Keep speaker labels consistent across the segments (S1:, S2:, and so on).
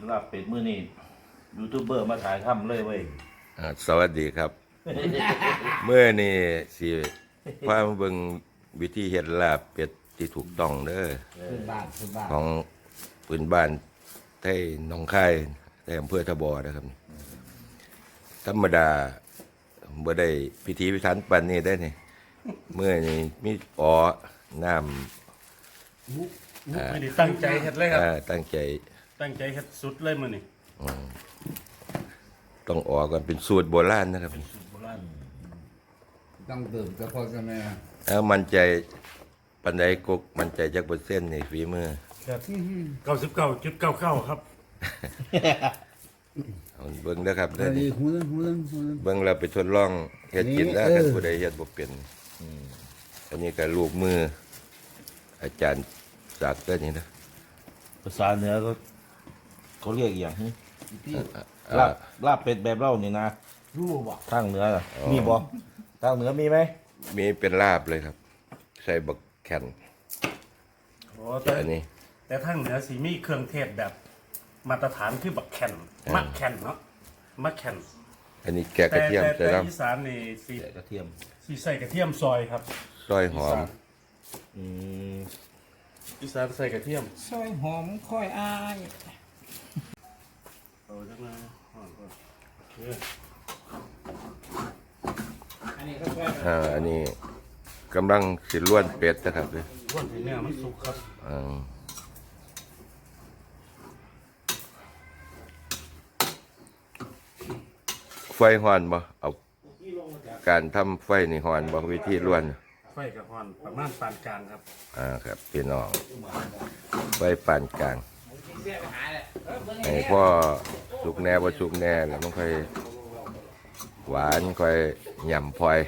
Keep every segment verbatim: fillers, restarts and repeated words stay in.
S1: ลาบเป็ดมื้อนี้ยูทูบเบอร์มาถ่ายทำเลยเว้ย
S2: อ่าสวัสดีครับ เมื่อนี่สิพามาเบิ่งวิธีเฮ็ดลาบเป็ดที่ถูกต้องเด้อ
S3: พื้นบ้านพื้นบ้าน
S2: ของพื้นบ้านไทยหนองคายในอำเภอทบอนะครับ ธรรมดาบ่ได้พิธีพิถันปานนี้ได้นี่เมื่อนี่มีอ๋อน้ำ
S4: ไม่ได้ตั้งใจเฮ็ดเลยครับ
S2: อ่าตั้งใจ
S4: ตั้งใจเฮ็ดสุดเลยมื้อนี้
S2: ต้องออกกันเป็นสูตรโบราณนะครับ
S4: โบราณ
S3: ต้องดื่มเฉพาะใช่ไหม
S2: แล้วมั่นใจปันใดกกมั่นใจจักเปอร์เซ็นต์ในฝีมือ
S4: ครับเก้าสิบเก้าจุดเก้าเก้าครับ
S2: เอาเบิ่งเด้อครับ
S3: อั
S2: เด้อน
S3: นี้หูนึงหูนึงหูนึง
S2: เบิ่งแล้วไปทดลองเฮ็ดกินแล้ว
S3: นี่
S2: กัน
S3: เออ
S2: ผู้ใดเฮ็ดบ่เป็นอืมอันนี้ก็ลูกมือ อาจารย์ศักดิ์เด้อนี่นะ
S1: ภาษาเหนือก็เขาเรียกอหย่างหึ
S3: พี่
S1: ลาบลาบเป็ดแบบเล่านี่นะ
S3: รู้บ่
S1: ทางเหนือน่ะมีบ่ทางเหนือมีไหม
S2: มีเป็นลาบเลยครับ ใส่บักแคน
S4: โอ้แต่
S2: อันนี้
S4: แต่ทางเหนือสิมีเครื่องเทศแบบ มาตรฐานคือบักแคนมักแคนเนาะมักแคน
S2: อันนี้แกะกระเทียม
S4: แต่
S2: ใส่
S4: แต่
S2: น้
S4: อีสานนี่สิ
S1: ใส่กระเทียม
S4: สิใส่กระเทียมซอยครับ
S2: ำซอยหอม
S1: อืม
S4: อีสานใส่กระเทียม
S3: ซอยหอมค่อยอาย
S4: เอาจังเลยห่อนก่อนโอเค
S3: อันนี้ก็ซอย
S2: อ่าอันนี้กำลังสิล้วนเป็ดนะครับเลย
S4: ร่วนให้เนื้อมันสุกครับ
S2: อ่าไฟหอนบ่เอาการทำไฟนี่หอนบ่วิธีล้วน
S4: ไฟกับห่อนประมาณปานกลางครับ
S2: อ่าครับพี่น้องไฟปานกลางไอ้พ่อสุกแน่บ่สุกแน่แล้วมันค่อยหวานค่อยหย่ำพลอย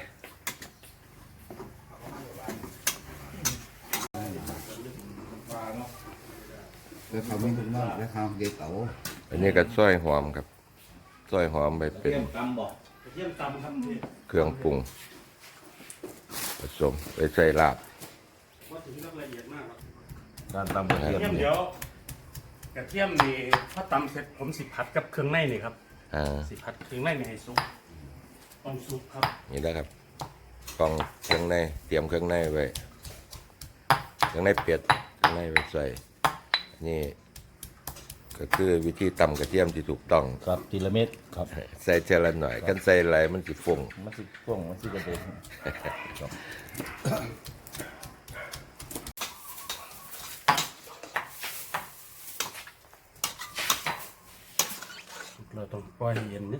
S3: แล้วเขาไม่ถึงมากแล้วเขาเด็กเต๋า
S2: อันนี้ก็ซอยหอมครับซอยหอมไปเป็น
S1: ตำบ่
S4: กระเทียมตำครับนี่
S2: เครื่องปรุงผสมไปใส่ลาบ
S4: ว่าถึงกับละเอียดมากครับ
S1: การตำกระเทียม
S4: กระเทียม
S1: เนี่
S4: เดี๋
S1: ย
S4: ยวกระเทียมนี่พอตำเสร็จผมสิผัดกับเครื่องในนี่ครับ
S2: อ่า
S4: สิผัดเครื่องในนี่ให้สุกต้องสุกครับ
S2: นี่นะครับกล่องเครื่องในเตรียมเครื่องในไว้เครื่องในเป็ดเครื่องในไว้ใส่นี่ก็คือวิธีตำกระเทียมที่ถูกต้อง
S1: ครับทีละเม็ดครับ
S2: ใส่เจละหน่อยกันใส่อะไรมันสิฟง
S1: มันสิพ่วงมันสิกระเด็นครับ
S4: เราต้องปล่อยให้เย็นนิด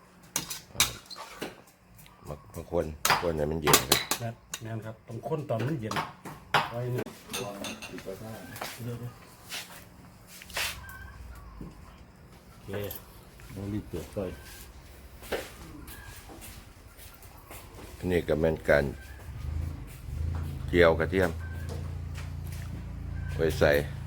S2: มาบางคนคนเนี่ยมันเย็นครับ
S4: นะนั่นครับต้องค้นตอนมันเย็นไว้นี่เดี๋ยว
S1: โอเคโมลีเปลือกก้อย
S2: อันนี้ก็เป็นการเจียวกระเทียมไว้ใส่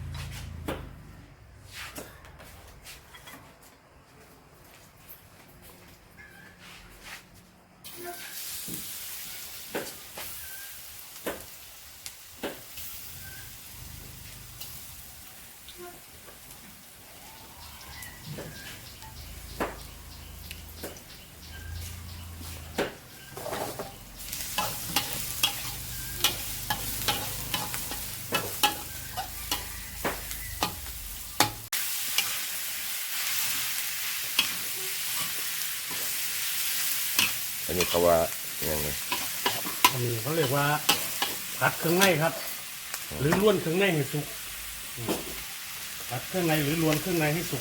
S2: อันนี้เขาว่าอย่างไง
S4: อันนี้เขาเรียกว่าผัดเครื่องในครับ หรือล้วนเครื่องในให้สุกอืมผัดเครื่องในหรือล้วนเครื่องในให้สุก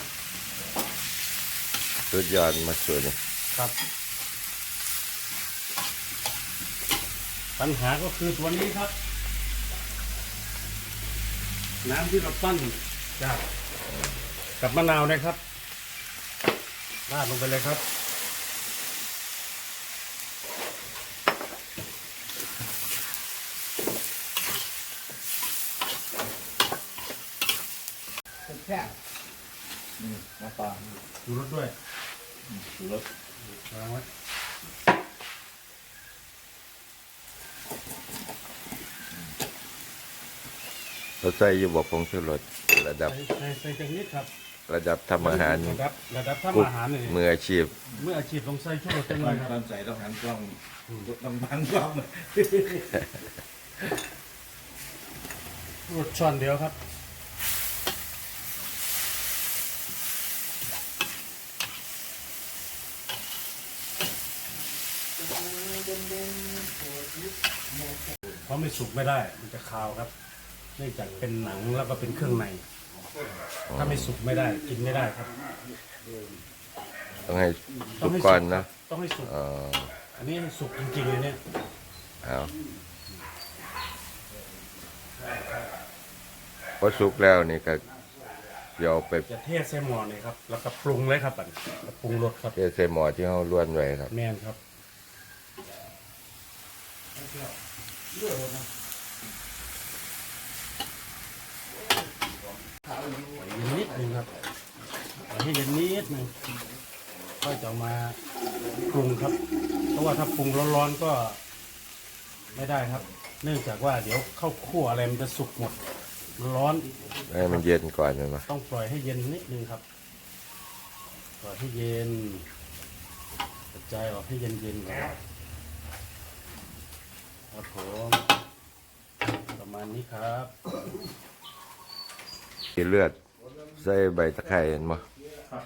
S2: สุดยอดมาสวยนี่
S4: ครับ ปัญหาก็คือตัวนี้ครับ น้ำที่เราปั้นจากกับมะนาวนะครับราดลงไปเลยครับ
S3: แค่บ
S1: อืมน้ำปลา
S4: ดูรสด้วย
S1: ดูรส
S4: วางไว้
S2: เราใส่อยู่บอกผงชูรสระดับ
S4: ใส่ใส่ใส่จังนิดครับ
S2: ระดับทำอาหาร
S4: ระดับระดับ
S2: กุ๊
S4: ทำ
S2: ก
S4: อาหารนี่
S2: มืออาชีพ
S4: เมื่ออาชีพต้องใส่ชูรสจังเล
S1: ตอย น
S4: ครับ
S1: ตอนใส่ต้องหันกล้องต้องบังกล้อง
S4: รสช้อนเดียวครับเพราะไม่สุกไม่ได้มันจะคาวครับเนื่องจากเป็นหนังแล้วก็เป็นเครื่องในถ้าไม่สุกไม่ได้กินไม่ได้ครับ
S2: ต้องให้
S4: ต้
S2: สุ
S4: อง
S2: ก
S4: ให้
S2: ก่อน
S4: สุ
S2: นะ
S4: ต้องให้สุก
S2: อ๋อ
S4: อันนี้สุกจริงๆเลยเนี่ย
S2: เอาพอสุกแล้วนี่ก็เดี๋ยวไป
S4: จะเทใส่หม้อนี่ครับแล้วก็ปรุงเลยครับอันแล้วปรุงรสครับ
S2: เทใส่หม้อที่เราล้วนไว้ครับ
S4: แม่นครับเย็นนิดนึงครับปล่อยให้เย็นนิดนึงก็จะเอามาปรุงครับ เพราะว่าถ้าปรุงร้อนๆก็ไม่ได้ครับ เนื่องจากว่าเดี๋ยวข้าวคั่วอะไรมันจะสุกหมดร้อน
S2: ให้มันเย็นก่อนเลยมั้ย
S4: ต้องปล่อยให้เย็นนิดนึงครับปล่อยให้เย็นกระจายออกให้เย็นๆก่อนครับผมประมาณนี้ครับ
S2: มีเลือดใส่ใบตะไคร้เห็นมั้ย
S4: ครับ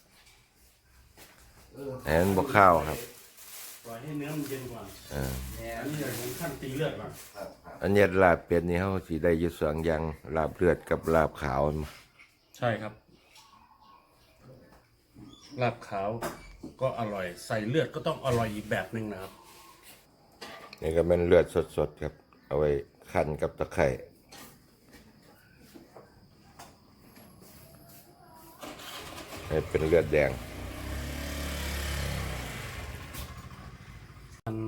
S2: แอนบวข้าวครับ
S4: ปล่อยให้เนื้อมันเย็นก่อน
S2: เออ
S4: อันนี้เลยผมขั้นตีเลือดก่อน
S2: อันนี้ลาบเป็ดนี่เขาสิได้อยู่สองอย่างลาบเลือดกับลาบขาวมา
S4: ใช่ครับลาบขาวก็อร่อยใส่เลือดก็ต้องอร่อยอีกแบบหนึ่งนะครับ
S2: นี่ก็เป็นเลือดสดๆครับ เอาไว้คั่นกับตะไคร้ให้เป็นเลือดแดง
S4: มัน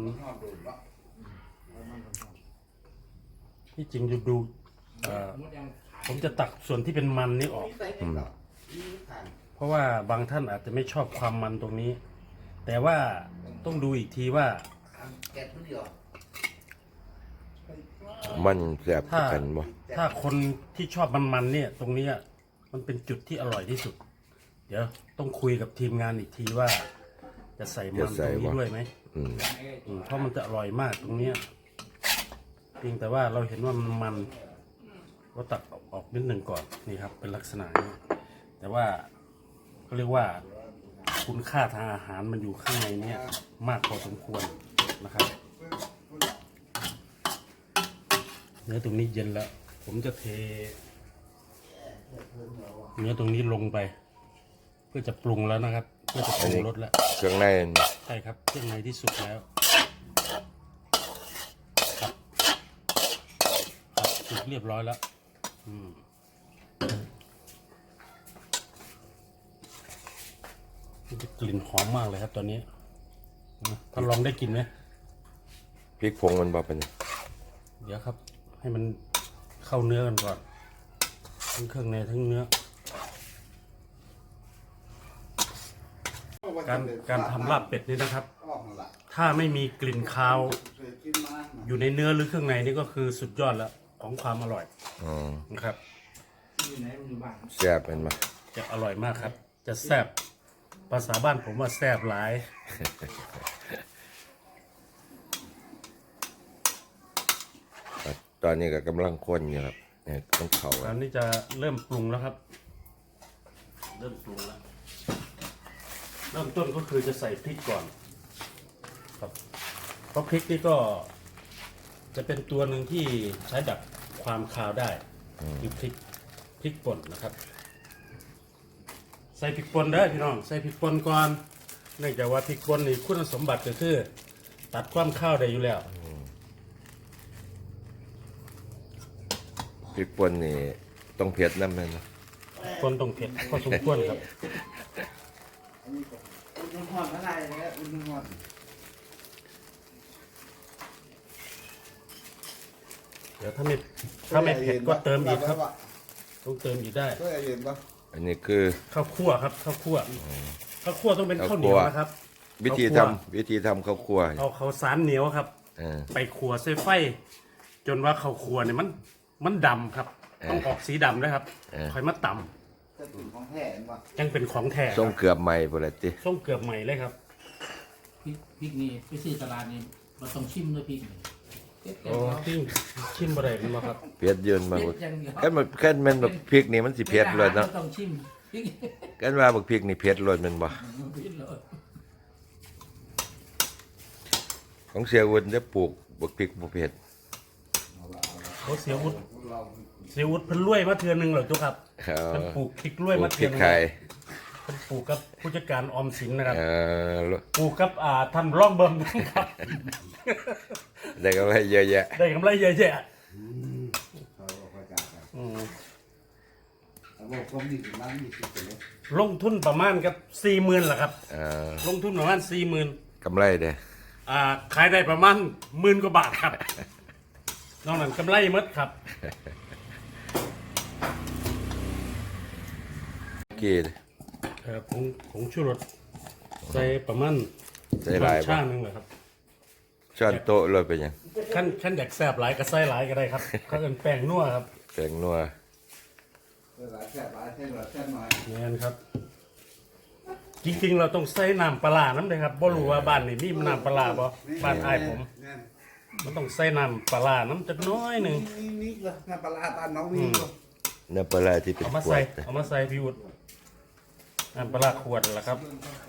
S4: ที่จริงดูดูเอ่อผมจะตักส่วนที่เป็นมันนี้ออก เพราะว่าบางท่านอาจจะไม่ชอบความมันตรงนี้ แต่ว่าต้องดูอีกทีว่า
S2: มันแซ่บ
S4: ถ้า
S2: กันบ่
S4: ถ้าคนที่ชอบมันๆเนี่ย ตรงเนี้ยมันเป็นจุดที่อร่อยที่สุด เดี๋ยวต้องคุยกับทีมงานอีกทีว่า จะใส่มันตรงนี้ด้วยไหม
S2: อืม
S4: อืมเพราะมันจะอร่อยมากตรงเนี้ยเพียงแต่ว่าเราเห็นว่ามันมันเราตัดออกนิดหนึ่งก่อนนี่ครับ เป็นลักษณะนี้ แต่ว่าเขาเรียกว่า คุณค่าทางอาหารมันอยู่ข้างในเนี้ยมากพอสมควรนะครับ เนื้อตรงนี้เย็นแล้ว ผมจะเท เนื้อตรงนี้ลงไป เพื่อจะปรุงแล้วนะครับ เพื่อจะปรุงรสแล้ว
S2: เครื่องใน
S4: ใช่ครับเครื่องในที่สุกแล้วครับครับสุกเรียบร้อยแล้วอืมมันจะกลิ่นหอมมากเลยครับตอนนี้ท่านลองได้กลินไหม
S2: พริกผงมันบ่เป็น
S4: เดี๋ยวครับ ให้มันเข้าเนื้อกันก่อนทั้งเครื่องในทั้งเนื้อ การการทำลาบเป็ดนี่นะครับ ถ้าไม่มีกลิ่นคาวอยู่ในเนื้อหรือเครื่องในนี่ก็คือสุดยอดแล้วของความอร่อย
S2: อ๋อ
S4: นะครับ
S2: แซ่บเป็นบ่
S4: จะอร่อยมากครับ จะแซ่บภาษาบ้านผมว่าแซ่บหลาย
S2: ตอนนี้ก็กำลังข้นอยู่ครับเนี่ยต้องเผา
S4: ตอนนี้จะเริ่มปรุงแล้วครับ เริ่มปรุงแล้วเริ่มต้นก็คือจะใส่พริกก่อนครับเพราะพริกนี่ก็จะเป็นตัวหนึ่งที่ใช้ดับความคาวได้คือพริกพริกป่นนะครับ ใส่พริกป่นเด้อพี่น้องใส่พริกป่นก่อนเนื่องจากว่าพริกป่นนี่คุณสมบัติก็คือตัดความข้าวได้อยู่แล้ว
S2: พริกป่นนี่ต้องเผ็ดน้ำเลยนะ
S4: ป่นต้องเผ็ดพอสมควรครับ
S3: อุ่นน้ำร้อนอะไรเนี่ยอุ่นน้ำร้อน
S4: เดี๋ยวถ้าไม่ถ้าไม่เผ็ดก็เติมอีกครับต้องเติมอีกได้
S3: ก็เย็นปะ
S2: อันนี้คือ
S4: ข้าวคั่วครับข้าวคั่วข้าวคั่วต้องเป็นข้าวเหนียวนะครับ
S2: วิธี
S4: ข้าว
S2: ทำ
S4: คั่ว
S2: วิธีทำข้าวคั่ว
S4: เอาข้าวสารเหนียวครับ
S2: เออ
S4: ไปขัวใส่ไฟ จนว่าข้าวคั่วเนี่ยมันมันดำครับ ต้องออกสีดำด้วยครับ
S2: เออ
S4: ค่อยมาต
S3: จะถึงของแท้เห็นป่ะ
S4: ยังเป็นของแท้
S2: ส่งเกือบใหม่พุ่นละติ
S4: ส่งเกือบใหม่เลยครับ
S5: พริกพริกนี่ไปซื้อตลาดนี่เราต้องชิมด้วยพริกนี่เผ็ด
S4: โอ้ที่ชิมบะไรมันมาครับ
S2: เผ็ดยืนมา
S5: เผ็
S2: พุ่
S5: ด
S2: น
S5: อย่างเดียว
S2: แค่มันแค่มันแบบพริกนี่มันสิเผ็ดเลยเนาะ
S5: ราต้องชิมพริก
S2: กันว่าบักพริกนี่เผ็ดเลยแมันบ่
S5: พริกเลย
S2: ของเสียอุ่นจะปลูกบักพริกบ่เผ็ด
S4: เขาเสียวุฒเสียวุฒเพิ่นรวยมาเทือนหนึงเหรอจุกครับ
S2: เอ
S4: เพิ่น
S2: อ
S4: ปลูกพริกรวย
S2: ปลู
S4: มาก
S2: พ
S4: เทื
S2: ริ
S4: อน
S2: ก
S4: หนึง
S2: ไข่
S4: เพิ่นปลูกกับผู้จัดการออมสินนะครับ
S2: เออ
S4: ปลูกกับอ่าทำร่องเบิ่มครับ
S2: ได้กำไรเยอะแยะ
S4: ได้กำไรเยอะแยะ
S3: เขาบอกว่าจ้าครับ
S4: อืม
S3: เอาบอกผมนี่ถึงร้านนี่สิบเลย
S4: ลงทุนประมาณกับสี่หมื่นแหละครับ
S2: เออ
S4: ลงทุนประมาณสี่หมื่น
S2: กำไรเด้
S4: อ่าขายได้ประมาณหมื่นกว่าบาทครับนอกนั้นกำไรหมดครับ
S2: กี่
S4: เอ่อผงผงชูรสใส่ประมาณ
S2: ใส่หลาย
S4: ช่า
S2: บ่
S4: งหนึงเลยครับ
S2: ช้อนโต๊ะเลยเป็นหยัง
S4: ขั้นขั้นอยากแซ่บหลายก็ใส่หลายก็ได้ครับเขาเอิ้นแป้งนัวครับ
S2: แป้งนัว
S3: เวลาแค่บาทแค่หลอดแค่หน่อย
S4: นี่นครับ จริงๆเราต้องใส่น้ำปลาร้าน้ำเลยครับบ่รู้ว่าบ้านนี่มีน้ำปลาร้าบ่บ้านอ้ายผม
S3: นั่น
S4: มันต้องใส่น้ำปลาร้าน้ำจักหน้อยหนึ่ง
S3: นี่นี่เลยน้ำปลาร้าตาน้องวิ่งก็
S2: เนื้อปลาร้าที่เป็น
S4: เอามา
S2: ขว
S4: ใส่
S2: ด
S4: เอามาใส่พี่วุฒิน้ำปลาร้าขวดนั่นแหละครับ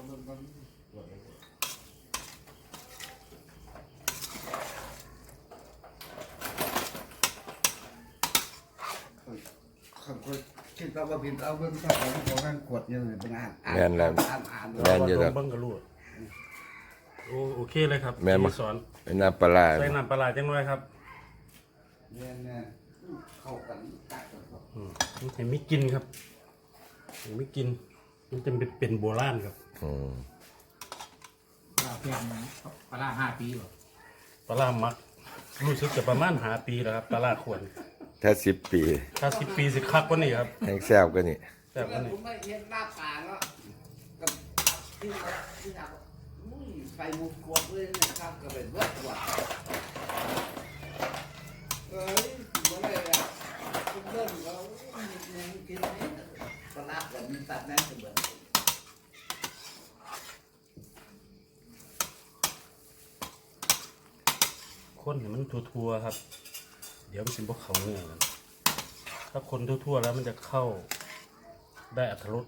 S3: เขาเขาคิดว่าว่าผิดเอาเบื้องต้นของของการกดยังไงเป็นอ่านอ่าน
S2: แม่นแล้ว
S3: อ่านอ่าน
S2: แม่นอยู่ดอก
S4: เบิ้งกระลูดโอโอเคเลยครับ
S2: แม่นบ่
S4: ที่สอน
S2: เป็นน้ำปลาร้า
S4: ใส่น้ำปลาร้าจังน้อยครับ
S3: เนี่ยเนี่ยเข้ากันตัดกัน
S4: อืมมันให้มีกลินครับให้มีกลินมันจะเป็นเป็นโบราณครับ
S2: อืม
S5: ปลาเพียงปลาร้าห้าปีหรอ
S4: ปลาร้ามัก รู้สึกจะประมาณหาปีแล้วครับปลาร้าขวด
S2: ถ้าสิบปี
S4: ถ้าสิบปีสิคักกว่านี้ครับ
S2: แห้งแซ่บก็นี่
S4: แซ่บกว่านี้
S3: ผมไม่เห็นหน้าตาแล้วกับที่ที่อยากอุ้ยไฟมุกกวดเลยนะครับก็เป็นเบิดกว่าเอ้ยเหมือนเลยอ่ะคุณเริ่มแล้วยังกินนี่ปลาร้าแบบมีตัดแน่นเสมอ
S4: คนเนี่ยมันทั่วๆครับ เดี๋ยวมันเป็นพวกเขาเนื้อกันถ้าคนทั่วๆแล้วมันจะเข้าได้อัตรส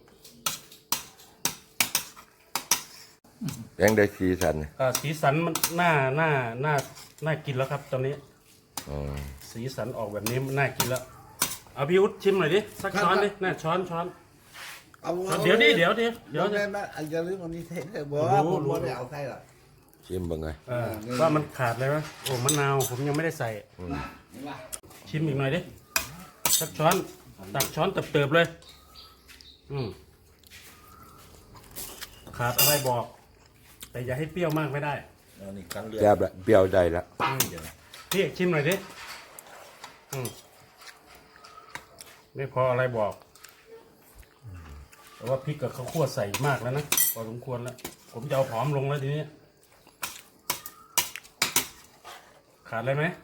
S2: ยังได้สีสัน
S4: อ่าสีสันมันน่าน่าน่าน่ากินแล้วครับ ตอนนี้
S2: อืม
S4: สีสันออกแบบนี้มันน่ากินแล้วเอาพี่อุ๊ดชิมหน่อยดิสักช้อนดิน่าช้อนช้อน
S3: เอา
S4: เดี๋ยวดิเดี๋ยวดิเดี๋ยว
S3: เดี๋
S4: ดิ
S3: ยวนะอย่าลืมอันนี้เทสเลยบอก
S4: รู้
S3: ว่าผม
S4: รู้
S3: ไม่ได้เอาใส่หรอก
S2: ชิมเบิ่งไง
S4: เออว่ามันขาดเลยไหมโอ้มะนาวผมยังไม่ได้ใส่
S3: นี่ว่า
S4: ชิมอีกหน่อยดิสักช้อนตักช้อนเติบๆเลย อืมขาดอะไรบอก แต่อย่าให้เปรี้ยวมากไม่ได้
S1: อันนี้ครั้งเดียว
S2: แซ่บละเปรี้ยวได้ละ
S4: พี่เอกชิมหน่อยดิอืมไม่พออะไรบอกแต่ว่าพริกกับข้าวคั่วใส่มากแล้วนะพอสมควรแล้ว ผมจะเอาผอมลงแล้วทีนี้ขาดอะไรไหม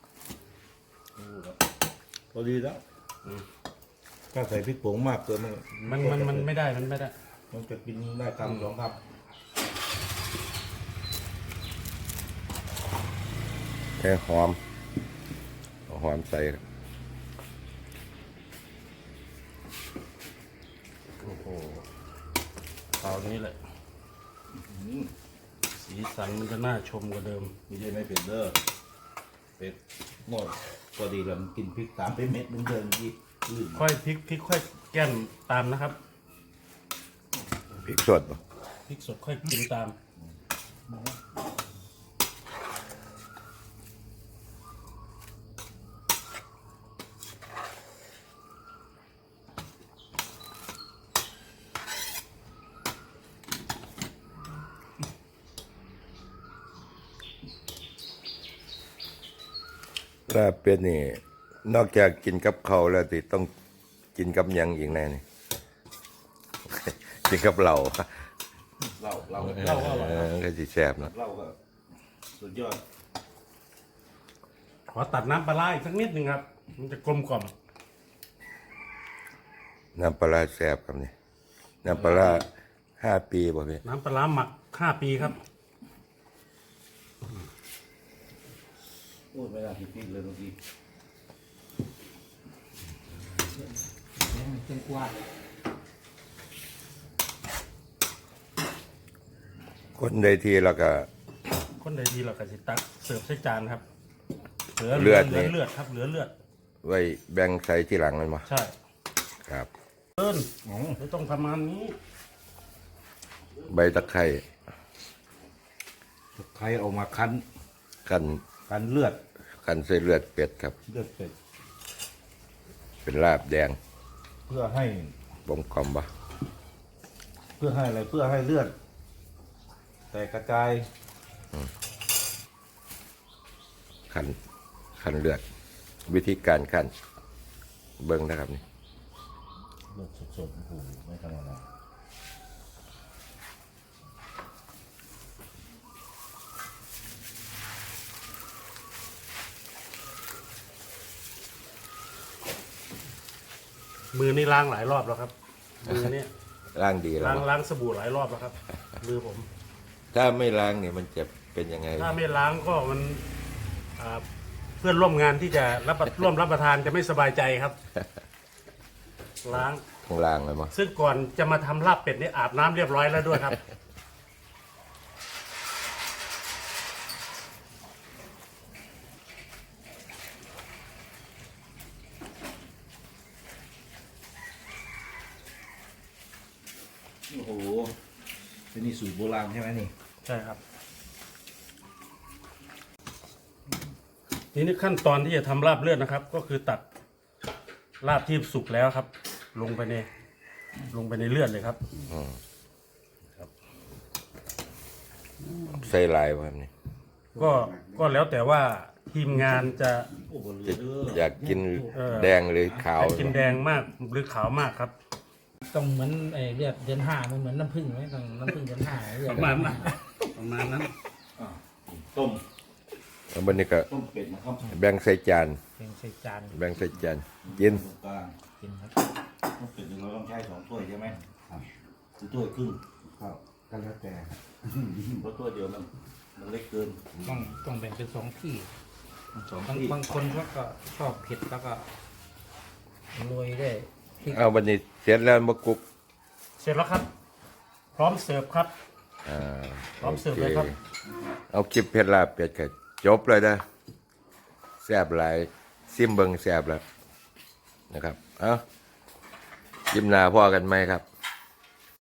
S1: พอดีแล้วถ้าใส่พริกผงมากเกินมัน
S4: มันมันมันไม่ได้มันไม่ได้
S1: มันจะกินได้คำสองค
S2: แค่หอมเอาหอมใส่ครับ
S4: โอ้โหคราวนี้แหละสีสันมันจะน่าชมกว่าเดิม
S1: ำไม่ใช่ไม่เป็นเด้อเป็ดหมดพอดีแล้วมันกินพริกสามเป็นเม็ดมันเดินที่ลื่น
S4: ค่อยพริกพริกค่อยแก้มตามนะครับ
S2: พริกสดบ่
S4: พริกสดค่อยกินตาม
S2: ลาบเป็ดนี่ นอกจากกินกับข้าวแล้วติต้องกินกับหยังอีกแน่นี่ กินกับเหล้า
S1: เราเรา
S4: เหล้าก็อร่อย
S2: เออก็สิแซ่บเนาะ
S1: เราก็สุดยอด
S4: ขอตัดน้ำปลาร้าอีกสักนิดหนึ่งครับ มันจะกลมกล่อม
S2: น้ำปลาร้าแซ่บครับนี่น้ำปลาร้าห้าปีบ่พี่
S4: น้ำปลาร้าหมักห้าปีครับ
S1: พูดไม่ได้พริกเลยเมื่อกี้
S5: แกงเครื่องกวาด
S2: คนใดทีแล้วก็
S4: คนใดดีเราก็สิตักเสิร์ฟใส่จานครับเหลือ
S2: เลือด
S4: เหลือ
S2: นี่
S4: เลือดครับเหลือเลือด
S2: ไว้แบ่งใส่ที่หลังมันมา
S4: ใช่
S2: ครับ
S4: เอิ้น
S1: อ๋อ
S4: ไม่ต้องประมาณนี้
S2: ใบตะไคร้
S1: ใครเอามาคั้น
S2: คั้น
S1: คั้นเลือด
S2: คั้นใส่เลือดเป็ดครับ
S1: เลือดเป็ด
S2: เป็นลาบแดง
S1: เพื่อให้
S2: บ่มกลมบ่
S1: เพื่อให้อะไรเพื่อให้เลือด แต่กระจาย
S2: คั้นคั้นเลือด วิธีการคั้นเบิ่งนะครับนี่
S1: เลือดสดๆโอ้โหไม่ธรรมดา
S4: มือนี่ล้างหลายรอบแล้วครับมือเนี่ย
S2: ล้างดีแล้ว
S4: ล้าง
S2: บ่
S4: ล้างสบู่หลายรอบแล้วครับมือผม
S2: ถ้าไม่ล้างเนี่ยมันจะเป็นยังไง
S4: ถ้าไม่ล้างก็มันอ่าเพื่อนร่วมงานที่จะรับประร่วมรับประทานจะไม่สบายใจครับ ล้าง
S2: ข้างล่างเลยมั้ง
S4: ซึ่งก่อนจะมาทำลาบเป็ดนี่อาบน้ำเรียบร้อยแล้วด้วยครับ
S1: โอ้โหเป็นนี่สูตรโบราณใช่ไหมนี่
S4: ใช่ครับทีนี้ขั้นตอนที่จะทำลาบเลือดนะครับ ก็คือตัดลาบที่สุกแล้วครับ ลงไปในลงไปในเลือดเลยครับ
S2: อืมใส่ลายบ่ครับนี่
S4: ก็ก็แล้วแต่ว่าทีมงานจะ
S1: โอ้โหเหลือเด้อ
S2: อยากกิน
S4: เออ
S2: แดงหรือขาว
S4: จะกินแดงมากหรือขาวมากครับ
S5: ต้องเหมือนไอ้เลือดเดือนห้ามันเหมือนน้ำผึ้งไหมต้องน้ำผึ้งเดือนห้าเลือด
S4: ประมาณนั้นประมาณนั้น
S1: อ่ะต้ม
S2: แล้ววันนี้ก็
S1: ต้มเป็ดนะครับ
S2: แบ่งใส่จาน
S5: เป็นใส่จาน
S2: แบ่งใส่จานกิน
S1: ตรงกลาง
S5: กินครับ
S1: ต้มเป็ดเราต้องใช้สองถ้วยใช่ไหมครับหรือถ้วยครึ่ง
S3: ครับก็แล้วแต่
S1: เพราะถ้วยเดียวมันมันเล็กเกิน
S5: ต้องต้องแบ่งเป็นสองที่
S1: สอง
S5: บาง
S1: ที่
S5: บางคนเขาก็ชอบเผ็ดแล้วก็โรยด้วยพริก
S2: เอาวันนี้เสร็จแล้วมากุก
S4: เสร็จแล้วครับ พร้อมเสิร์ฟครับ
S2: อ่า
S4: พร้อมเสิร์ฟเลยครับ
S2: เอาคลิปเพชรลาบเป็ดก็จบเลยนะแซ่บหลายซิมเบิงแซ่บแล้วนะครับ เอาคลิปหน้าพ่อกันไหมครับ